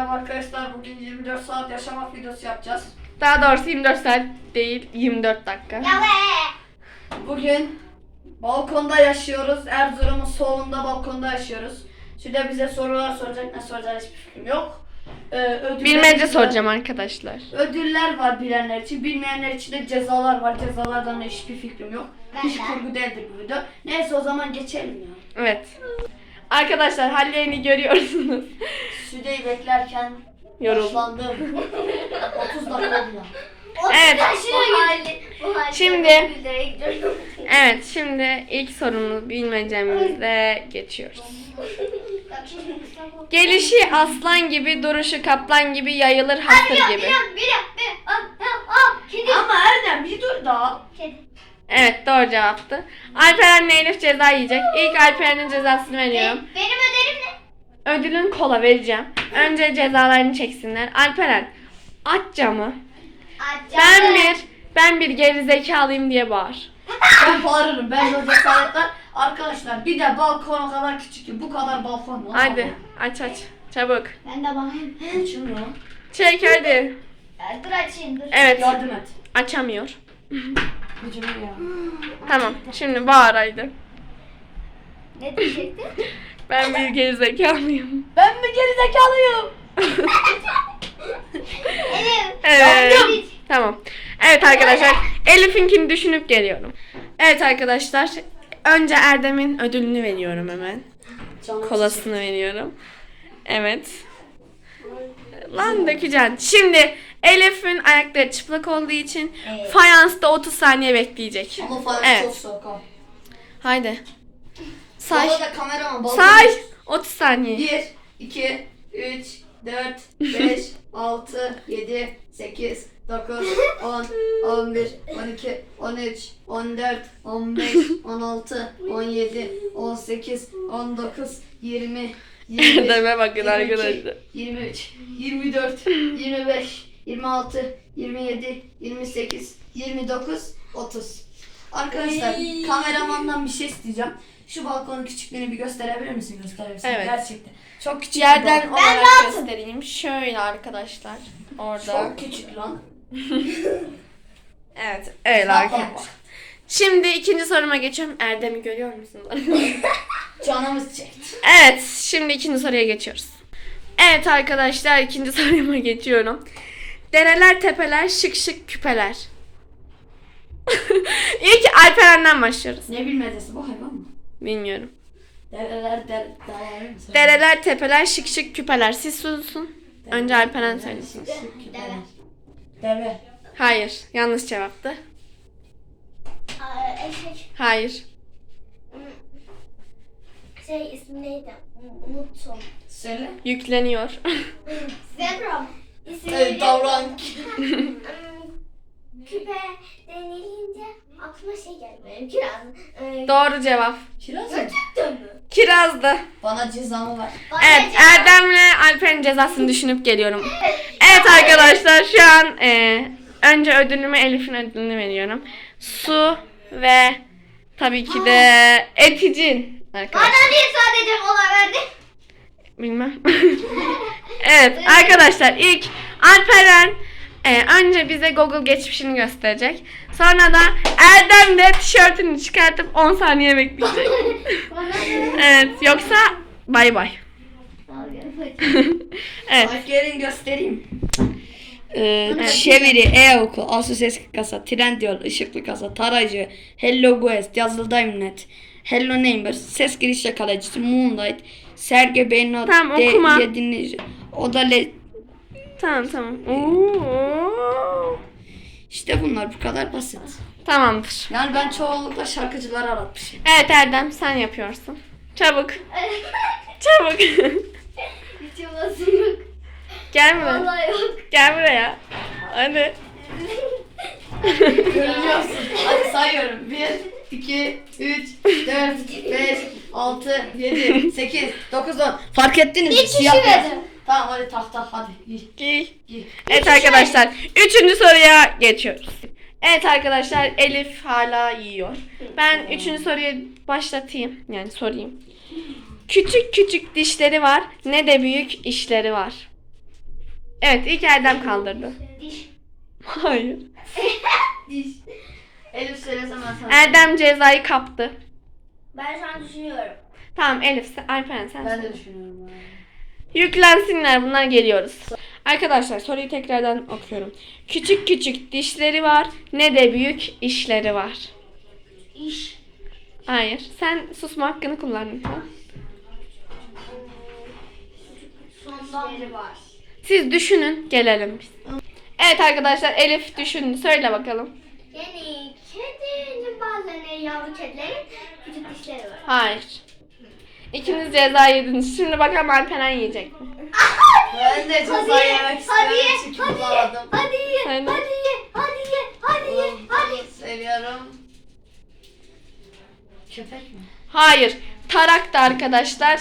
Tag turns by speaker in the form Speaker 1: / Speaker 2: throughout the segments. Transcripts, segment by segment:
Speaker 1: Merhaba arkadaşlar, bugün 24 saat yaşamak videosu yapacağız.
Speaker 2: Daha doğrusu 24 saat değil, 24 dakika.
Speaker 1: Bugün balkonda yaşıyoruz. Erzurum'un solunda balkonda yaşıyoruz. Şurada bize sorular soracak, ne soracağız hiçbir fikrim yok.
Speaker 2: Bilmece soracağım arkadaşlar.
Speaker 1: Ödüller var bilenler için, bilmeyenler için de cezalar var. Cezalardan da hiçbir fikrim yok. Hiç kurgu değildir bu video. Neyse o zaman geçelim ya.
Speaker 2: Evet. Arkadaşlar hallerini görüyorsunuz.
Speaker 1: Südeyi beklerken
Speaker 2: Yoruldum.
Speaker 1: yaşlandım. 30 dakika oldu.
Speaker 2: Evet. Şimdi
Speaker 3: Evet.
Speaker 2: şimdi ilk sorumuz bilmecemizle geçiyoruz. Gelişi aslan gibi, duruşu kaplan gibi, yayılır hasır gibi.
Speaker 3: Kedi.
Speaker 1: Ama Erdem bir dur da.
Speaker 3: Kedi.
Speaker 2: Evet, doğru cevaptı. Alperen'le Elif ceza yiyecek. İlk Alperen'in cezasını veriyorum.
Speaker 3: Benim öderim ne?
Speaker 2: Ödülün kola vereceğim. Önce cezalarını çeksinler. Alperen, aç camı. Ben bir geri zekalıyım diye bağır.
Speaker 1: Ben bağırırım. Ben de o cesaretler. Arkadaşlar bir de balkon o kadar küçük ki bu kadar balkon var.
Speaker 2: Hadi aç çabuk.
Speaker 3: Ben de bakayım.
Speaker 1: Açılmıyor.
Speaker 2: Çek hadi.
Speaker 3: Dur açayım dur.
Speaker 2: Evet,
Speaker 1: Yardım et.
Speaker 2: açamıyor.
Speaker 1: Gücüme ya.
Speaker 2: Tamam, şimdi bağır haydi.
Speaker 3: Ne diyecektin?
Speaker 2: Ben bir geri zekalıyım.
Speaker 1: Ben mi geri zekalıyım?
Speaker 2: Evet. Tamam. Evet arkadaşlar, Elif'inkini düşünüp geliyorum. Evet arkadaşlar, önce Erdem'in ödülünü veriyorum hemen. Kolasını veriyorum. Evet. Lan dökeceksin. Şimdi Elif'in ayakları çıplak olduğu için
Speaker 3: Evet.
Speaker 2: fayansta 30 saniye bekleyecek.
Speaker 1: Ama falan
Speaker 2: Evet.
Speaker 1: çok soğuk ha.
Speaker 2: Haydi. Say.
Speaker 1: Bana da kameraman balkon.
Speaker 2: Say. 30 saniye.
Speaker 1: 1, 2, 3, 4, 5, 6, 7, 8, 9, 10, 11, 12, 13, 14, 15, 16, 17, 18, 19, 20, 21,
Speaker 2: Erdem'e bakın
Speaker 1: 22,
Speaker 2: arkadaşlar.
Speaker 1: 23, 24, 25, 26, 27, 28, 29, 30. Arkadaşlar kameramandan bir şey isteyeceğim. Şu balkonun küçüklüğünü bir gösterebilir misin? Gösterebilirsin.
Speaker 2: Evet.
Speaker 1: Gerçekten. Çok küçük bir
Speaker 2: Yerden
Speaker 1: balkon.
Speaker 2: olarak göstereyim. Şöyle arkadaşlar. Orada.
Speaker 1: Çok küçük lan.
Speaker 2: Evet. Öyle arkadaşlar. Şimdi ikinci soruma geçiyorum. Erdem'i görüyor musunuz?
Speaker 1: Canımız çekti.
Speaker 2: Evet. Şimdi ikinci soruya geçiyoruz. Evet arkadaşlar, ikinci soruma geçiyorum. Dereler, tepeler, şık şık küpeler. İlk Alperen'den başlıyoruz.
Speaker 1: Ne bilmecesi bu hayvan mı?
Speaker 2: Bilmiyorum.
Speaker 1: Dereler dağlar mı?
Speaker 2: Dereler, tepeler, şık şık küpeler. Siz susun. Önce Alperen söylesin.
Speaker 3: Deve.
Speaker 1: Deve.
Speaker 2: Hayır. Yanlış cevaptı.
Speaker 3: Eşek.
Speaker 2: Hayır.
Speaker 3: İsmi neydi? Unuttum.
Speaker 1: Söyle.
Speaker 2: Yükleniyor.
Speaker 3: Zebra. İsmi
Speaker 1: Davran.
Speaker 3: Küpe denilince aklıma şey geldi benim. Kiraz.
Speaker 2: Doğru cevap.
Speaker 1: Kiraz mı?
Speaker 3: Gerçekten mi?
Speaker 2: Kirazdı.
Speaker 1: Bana cezamı ver.
Speaker 2: Evet, Erdem'le Alper'in cezasını düşünüp geliyorum. Evet arkadaşlar, şu an önce ödülümü, Elif'in ödülünü veriyorum. Su ve tabii ki de eticin arkadaşlar.
Speaker 3: Bana niye sadece mola verdin?
Speaker 2: Bilmem. Evet arkadaşlar, ilk Alperen önce bize Google geçmişini gösterecek. Sonra da Erdem de tişörtünü çıkartıp 10 saniye bekleyecek. Evet, yoksa bay bay. Evet.
Speaker 1: Bak gelin göstereyim. Çeviri, e-okul, Asus eski kasa, Trendyol, ışıklı kasa, tarayıcı, Hello Quest, yazılı Diamondnet, Hello Neighbor, ses giriş yakalayıcısı, Moonlight, Serge Beyno,
Speaker 2: Tamam, okuma.
Speaker 1: dinleyici, Odale.
Speaker 2: Tamam. Oo.
Speaker 1: İşte bunlar bu kadar basit.
Speaker 2: Tamamdır.
Speaker 1: Yani ben çoğunlukla şarkıcıları aratmışım.
Speaker 2: Evet Erdem, sen yapıyorsun. Çabuk. Çabuk.
Speaker 3: Hiç yapasım yok.
Speaker 2: Gel buraya.
Speaker 3: Vallahi yok.
Speaker 2: Gel buraya. Hadi.
Speaker 1: Görünüyorsun. Hadi sayıyorum. 1, 2, 3, 4, 5, 6, 7, 8, 9, 10. Fark ettiniz mi?
Speaker 3: Bir kişi
Speaker 1: Siyah beyaz.
Speaker 3: verdim.
Speaker 1: Tamam hadi tak hadi.
Speaker 2: Giy.
Speaker 1: Giy.
Speaker 2: Evet arkadaşlar, 3. soruya geçiyoruz. Evet arkadaşlar, Elif hala yiyor. Ben 3. soruyu başlatayım. Yani sorayım. Küçük küçük dişleri var, ne de büyük işleri var. Evet, ilk Erdem kaldırdı.
Speaker 3: Diş.
Speaker 2: Hayır.
Speaker 1: Diş. Elif söylesem ben sana.
Speaker 2: Erdem cezayı kaptı.
Speaker 3: Ben şu an düşünüyorum.
Speaker 2: Tamam Elif, Alperen sen.
Speaker 1: Ben de düşünüyorum. abi.
Speaker 2: Yüklensinler, bunlar geliyoruz. Arkadaşlar soruyu tekrardan okuyorum. Küçük küçük dişleri var, ne de büyük işleri var.
Speaker 3: İş.
Speaker 2: Hayır, sen susma hakkını kullan lütfen.
Speaker 3: Sondan var.
Speaker 2: Siz düşünün, gelelim biz. Evet arkadaşlar, Elif düşündü. Söyle bakalım.
Speaker 3: Yani kedinin bazılarının yavru kedilerin küçük dişleri var.
Speaker 2: Hayır. İkiniz ceza yediniz. Şimdi bakalım Alperen yiyecek mi?
Speaker 1: Ben de ceza yemek istiyorum çünkü bulamadım.
Speaker 3: Hadi ye,
Speaker 2: Aynen.
Speaker 3: hadi ye, hadi ye, hadi ye, hadi.
Speaker 1: Seviyorum. Köpek mi?
Speaker 2: Hayır. Taraktı arkadaşlar.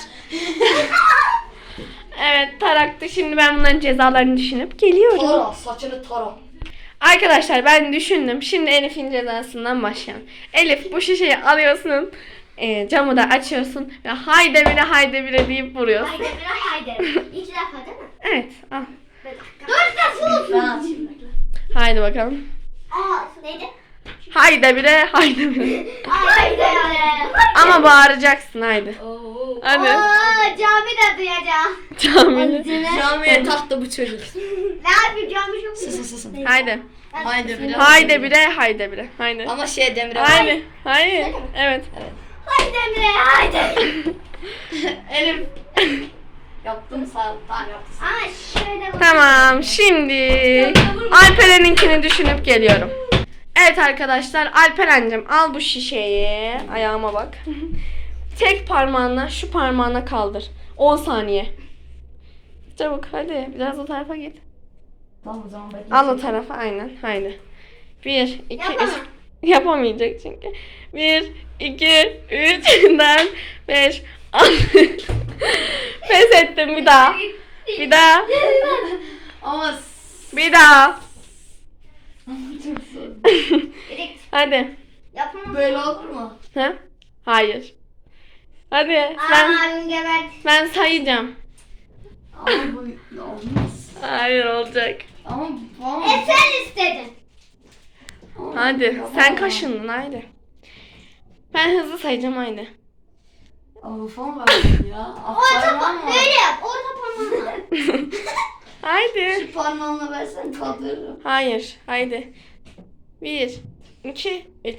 Speaker 2: Evet, taraktı. Şimdi ben bunların cezalarını düşünüp geliyorum.
Speaker 1: Tara, saçını tara.
Speaker 2: Arkadaşlar ben düşündüm. Şimdi Elif'in cezasından başlayalım. Elif, bu şişeyi alıyorsun. Camı da açıyorsun ve haydi bire deyip vuruyorsun.
Speaker 3: Haydi biraz haydi. İki defa değil mi?
Speaker 2: Evet, al.
Speaker 3: Dört defa olsun.
Speaker 1: Ben açayım. bekle.
Speaker 2: Haydi bakalım.
Speaker 3: Neydi?
Speaker 2: Haydi bire.
Speaker 3: Haydi.
Speaker 2: Ama bağıracaksın haydi.
Speaker 1: Oo.
Speaker 2: Hadi.
Speaker 3: Cami de duyacağım.
Speaker 2: Camiye.
Speaker 1: Camiye taktı bu çocuk.
Speaker 3: Ne yapayım cami çok
Speaker 1: Susun susun.
Speaker 2: Haydi.
Speaker 1: Haydi biraz.
Speaker 2: Haydi bire. Haydi.
Speaker 1: Ama Demire.
Speaker 2: Haydi. Hayır. Evet.
Speaker 3: Haydi Emre haydi.
Speaker 1: Elif. Yaptım sağ ol. Tamam yaptım.
Speaker 3: Ama şöyle bak.
Speaker 2: Tamam. Şimdi Alperen'inkini düşünüp geliyorum. Evet arkadaşlar, Alperen'cim al bu şişeyi. Ayağıma bak. Tek parmağınla şu parmağına kaldır. 10 saniye. Çabuk hadi. Biraz o tarafa git.
Speaker 1: Tamam o zaman bekle.
Speaker 2: Al o tarafa aynen. Haydi. 1, 2, 3.
Speaker 3: Yapamam.
Speaker 2: Yapamayacak çünkü. 1, 2, 3, 4, 5, 6. Pes ettim bir daha. Bir daha.
Speaker 1: Ama
Speaker 2: Bir daha.
Speaker 1: çok zor.
Speaker 3: Direkt
Speaker 2: Hadi.
Speaker 3: yapamam.
Speaker 1: Böyle olur mu?
Speaker 2: Ha? Hayır. Hadi.
Speaker 3: Abim gebert.
Speaker 2: Ben sayacağım.
Speaker 1: Ama bu olmaz.
Speaker 2: Hayır olacak.
Speaker 1: Ama
Speaker 3: Sen istedin.
Speaker 2: Hadi. Sen kaşındın haydi. Ben hızlı sayacağım haydi.
Speaker 1: Ama falan verdim ya. Parmağım var.
Speaker 3: Böyle yap. Orta parmağınla.
Speaker 2: Haydi.
Speaker 1: Şu parmağımla versen kaldırırım.
Speaker 2: Hayır. Haydi. 1, 2, 3.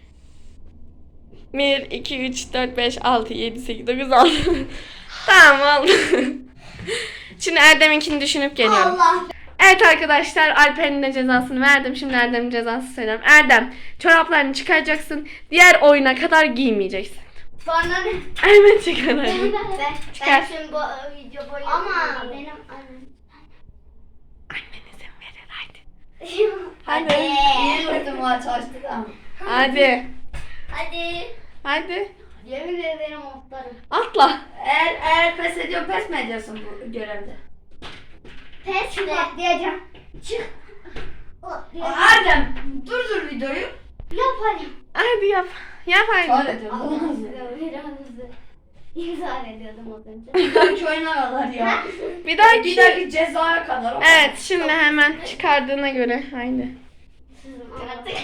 Speaker 2: 1, 2, 3, 4, 5, 6, 7, 8, 9, 10. Tamam oldu. Şimdi Erdem'inkini düşünüp geliyorum.
Speaker 3: Allah.
Speaker 2: Evet arkadaşlar, Alper'in de cezasını verdim. Şimdi Erdem'in cezasını söylüyorum. Erdem, çoraplarını çıkaracaksın. Diğer oyuna kadar giymeyeceksin.
Speaker 3: Sonra ne?
Speaker 2: Evet çıkar hadi.
Speaker 3: Ben şimdi bu video boyu. Ama benim annem.
Speaker 2: Annen izin verir hadi.
Speaker 3: Hadi.
Speaker 1: Yeni vurdum maç açtı da.
Speaker 2: Hadi.
Speaker 3: Hadi.
Speaker 2: Hadi.
Speaker 3: Yemin ederim otlarım.
Speaker 2: Atla.
Speaker 1: Eğer pes ediyorsun pes mi ediyorsun bu görevde?
Speaker 3: Pes mi? Diyeceğim. Çık. Otlayacağım.
Speaker 1: Erdem durdur videoyu.
Speaker 3: Yaparım.
Speaker 2: Hadi yap. Yap
Speaker 1: Çağır
Speaker 2: hadi.
Speaker 1: ediyorum.
Speaker 3: Biraz hızlı. İmzal ediyordum az önce.
Speaker 1: Bir dahaki oyuna kadar ya.
Speaker 2: Bir
Speaker 1: Bir
Speaker 2: dahaki.
Speaker 1: dahaki cezaya kadar. o kadar.
Speaker 2: Evet şimdi hemen çıkardığına göre. Haydi.
Speaker 3: Artık.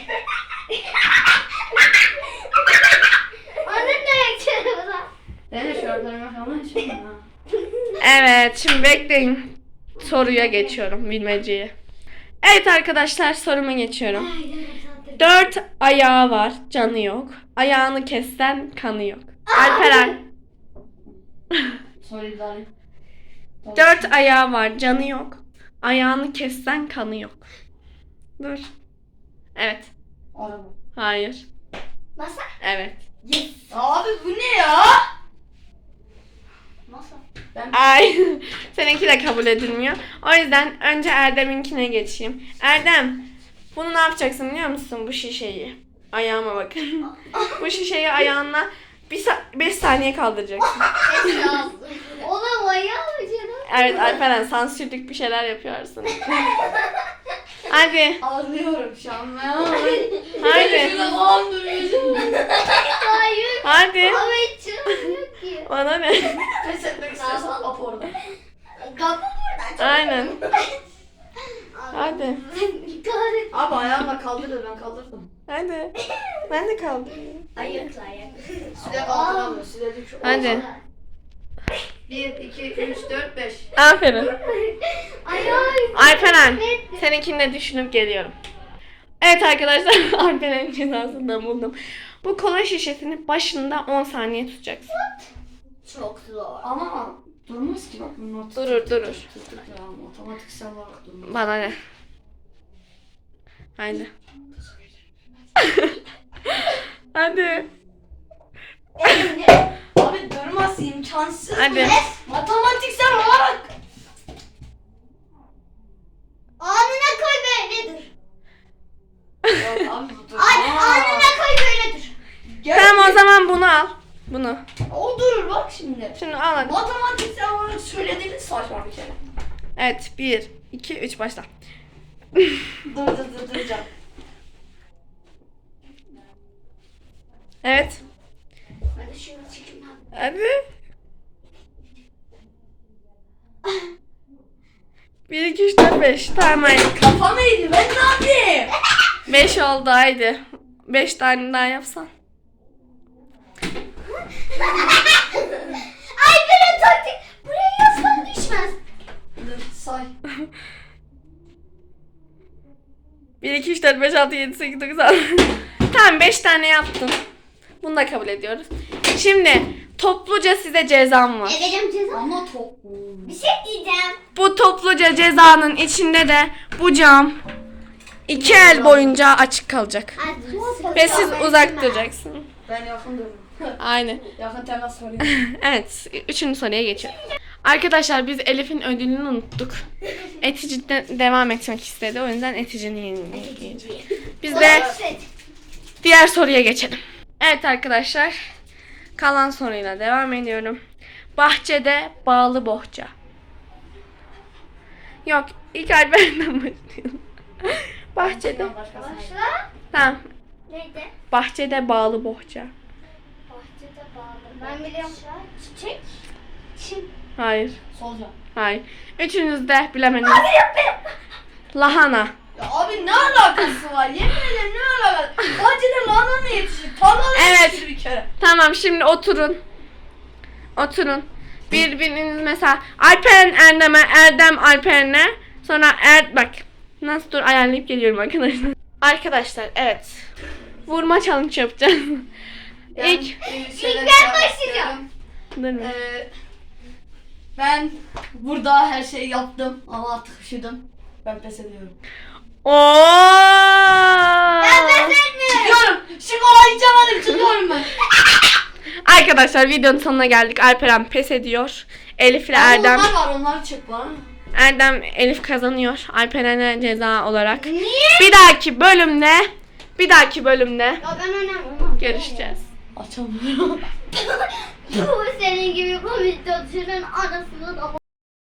Speaker 3: Onun ne yapacağını
Speaker 1: Ben de şortlarıma falan açayım ha.
Speaker 2: Evet şimdi bekleyin. Soruya geçiyorum, bilmeceye. Evet arkadaşlar, soruma geçiyorum. 4 ayağı var, canı yok. Ayağını kessen kanı yok. Alperen.
Speaker 1: Soruyu da alayım.
Speaker 2: 4 ayağı var, canı yok. Ayağını kessen kanı yok. Dur. Evet.
Speaker 1: Araba.
Speaker 2: Hayır.
Speaker 3: Masa.
Speaker 2: Evet.
Speaker 1: Yes. Abi bu ne ya?
Speaker 3: Masa.
Speaker 2: Ay. Seninki de kabul edilmiyor. O yüzden önce Erdem'inkine geçeyim. Erdem. Bunu ne yapacaksın biliyor musun? Bu şişeyi. Ayağıma bakın. Bu şişeyi ayağınla 5 saniye kaldıracaksın.
Speaker 3: Oğlum ayağı mı canım?
Speaker 2: Evet Alperen, sansürlük bir şeyler yapıyorsun. Hadi.
Speaker 1: Ağlıyorum şu an ben.
Speaker 2: Hadi.
Speaker 1: Şurada falan duruyorsun.
Speaker 3: Hayır.
Speaker 2: Hadi.
Speaker 3: Ama hiç yok ki.
Speaker 2: Bana ne?
Speaker 1: Pes etmek istiyorsan ap orada.
Speaker 3: Kapı burada.
Speaker 2: Aynen. Hadi.
Speaker 1: Abi ayağımla kaldırdı, ben kaldırdım.
Speaker 2: Hadi. Ben de kaldırıyorum.
Speaker 3: Ayıkla.
Speaker 1: Süre kaldıramıyor. Süre düş.
Speaker 2: Hadi.
Speaker 1: 1, 2, 3, 4, 5.
Speaker 2: Aferin.
Speaker 3: Ayağım.
Speaker 2: Alperen, seninkini de düşünüp geliyorum. Evet arkadaşlar, Alperen'in cezasını da buldum. Bu kola şişesini başında 10 saniye tutacaksın.
Speaker 3: Çok zor.
Speaker 1: Ama durmaz ki bak. Bunun
Speaker 2: Durur.
Speaker 1: Otomatiksel olarak durmaz.
Speaker 2: Bana ne? Haydi. Hadi.
Speaker 1: Abi durmaz, imkansız.
Speaker 2: Hadi.
Speaker 1: Matematiksel olarak.
Speaker 3: Anına koy böyle dur.
Speaker 1: Yok abi bu dur.
Speaker 3: Anına koy böyle dur.
Speaker 2: Tamam o zaman bunu al. Bunu.
Speaker 1: O durur bak şimdi.
Speaker 2: Şimdi al hadi.
Speaker 1: Matematiksel olarak söylediğiniz saçma bir kere.
Speaker 2: Evet 1, 2, 3 başla.
Speaker 1: Duracağım.
Speaker 2: Evet.
Speaker 3: Ben de şunu çekeyim abi.
Speaker 2: Hadi. 1, 2, 3, 4, 5. Tamam haydi.
Speaker 1: Kafam eğdi, ben ne yapayım?
Speaker 2: 5 oldu haydi. 5 tane daha yapsan.
Speaker 3: Ay böyle taktik. Buraya yazsam düşmez.
Speaker 1: Dur say.
Speaker 2: 1, 2, 3, 4, 5, 6, 7, 8, 9, 10. Tamam 5 tane yaptın. Bunu da kabul ediyoruz. Şimdi topluca size cezam var.
Speaker 3: Vereceğim ceza.
Speaker 1: Ama top.
Speaker 3: Bir şey diyeceğim.
Speaker 2: Bu topluca cezanın içinde de bu cam 2 el boyunca açık kalacak. Ve siz uzak duracaksınız.
Speaker 1: Ben yakın dururum.
Speaker 2: Aynen.
Speaker 1: Yakın temas sorayım.
Speaker 2: Evet, 3. soruya geçiyorum. Arkadaşlar biz Elif'in ödülünü unuttuk. Etici devam etmek istedi. O yüzden Etici'nin yerini giyeceğiz. Biz de diğer soruya geçelim. Evet arkadaşlar. Kalan soruyla devam ediyorum. Bahçede bağlı bohça. Yok, ilk Alper'den başlayalım. Bahçede.
Speaker 3: Başla.
Speaker 2: Tamam.
Speaker 3: Neydi?
Speaker 2: Bahçede bağlı bohça.
Speaker 3: Bahçede bağlı. Ben biliyorum. Çiçek. Çim.
Speaker 2: Hayır.
Speaker 1: Solca.
Speaker 2: Hayır. Üçünüz de bilemediniz. Lahana.
Speaker 1: Ya abi ne alakası var? Yemin ederim ne alakası? Bahçede lahana mı yetişir? Tarlada
Speaker 2: Evet.
Speaker 1: yetişir bir kere.
Speaker 2: Tamam şimdi oturun. Oturun. Birbiriniz mesela Alperen Erdem'e, Erdem Alperen'e. Sonra bak. Nasıl dur ayarlayıp geliyorum arkadaşlar. Arkadaşlar evet. Vurma challenge yapacağız. İlk.
Speaker 3: ben başlayacağım.
Speaker 2: Dur mu?
Speaker 1: Ben burada her şeyi yaptım ama artık üşüdüm. Ben pes ediyorum.
Speaker 2: Oo!
Speaker 1: Çıkıyorum. Şu kolayı içemedim. Çıkıyorum ben.
Speaker 2: Arkadaşlar videonun sonuna geldik. Alperen pes ediyor. Elif ile
Speaker 1: Ama
Speaker 2: Erdem.
Speaker 1: onlar var, onları çek bana.
Speaker 2: Erdem Elif kazanıyor. Alperen'e ceza olarak.
Speaker 3: Niye?
Speaker 2: Bir dahaki bölümde
Speaker 3: Ya ben oynamam.
Speaker 2: görüşeceğiz.
Speaker 1: Açamıyorum.
Speaker 3: Bu senin gibi komik çalışanın anasını da